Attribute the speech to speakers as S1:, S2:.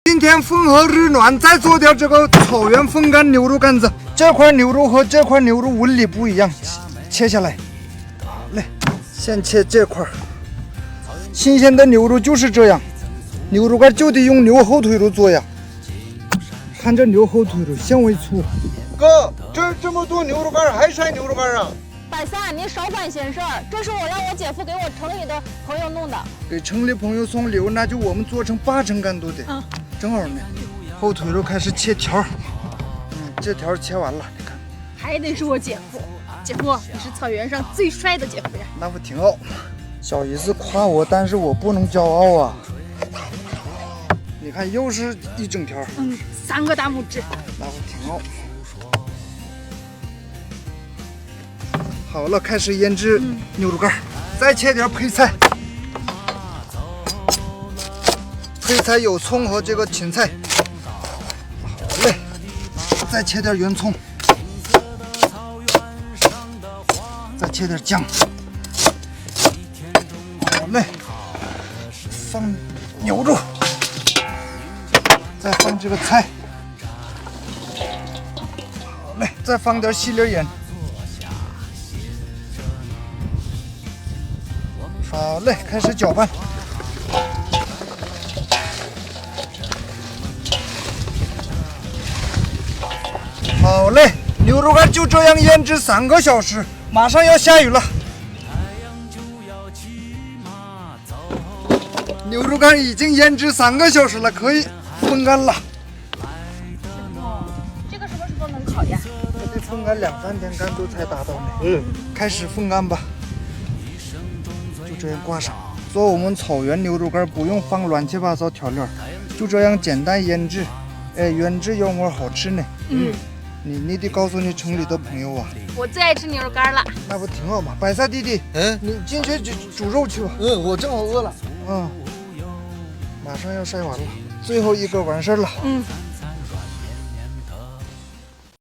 S1: 今天风和日暖，再做点这个草原风干牛肉干子。这块牛肉和这块牛肉纹理不一样，切下来。好嘞，先切这块。新鲜的牛肉就是这样，牛肉干就得用牛后腿肉做呀。看这牛后腿肉纤维粗。
S2: 哥，这么多牛肉干还晒牛肉干啊？
S3: 百三，您少管闲事儿，这是我让我姐夫给我城里的朋友弄的。
S1: 给城里朋友送礼物，那就我们做成8成干都得。正好呢。后腿肉开始切条，这条切完了，你看。
S3: 还得是我姐夫，姐夫，你是草原上最帅的姐夫呀。
S1: 那不挺好吗？小姨子夸我，但是我不能骄傲啊。你看，又是一整条。
S3: 3个大拇指。
S1: 那不挺好。好了，开始腌制牛肉干，再切点配菜。配菜有葱和这个芹菜。好嘞，再切点圆葱，再切点姜。好嘞，放牛肉，再放这个菜。好嘞，再放点细粒盐。好嘞，开始搅拌。好嘞，牛肉干就这样腌制3个小时，马上要下雨了。牛肉干已经腌制3个小时了，可以风干了。
S3: 这个什么时候能烤呀？
S1: 这得风干2、3天干都才达到呢。开始风干吧。就这样挂上。做我们草原牛肉干不用放乱七八糟调料，就这样简单腌制。原汁原味好吃呢。你得告诉你城里的朋友啊。
S3: 我最爱吃牛肉干了。
S1: 那不挺好吗？百赛弟弟，你进去煮肉去吧。
S2: 我正好饿了。
S1: 马上要晒完了，最后一个完事儿了。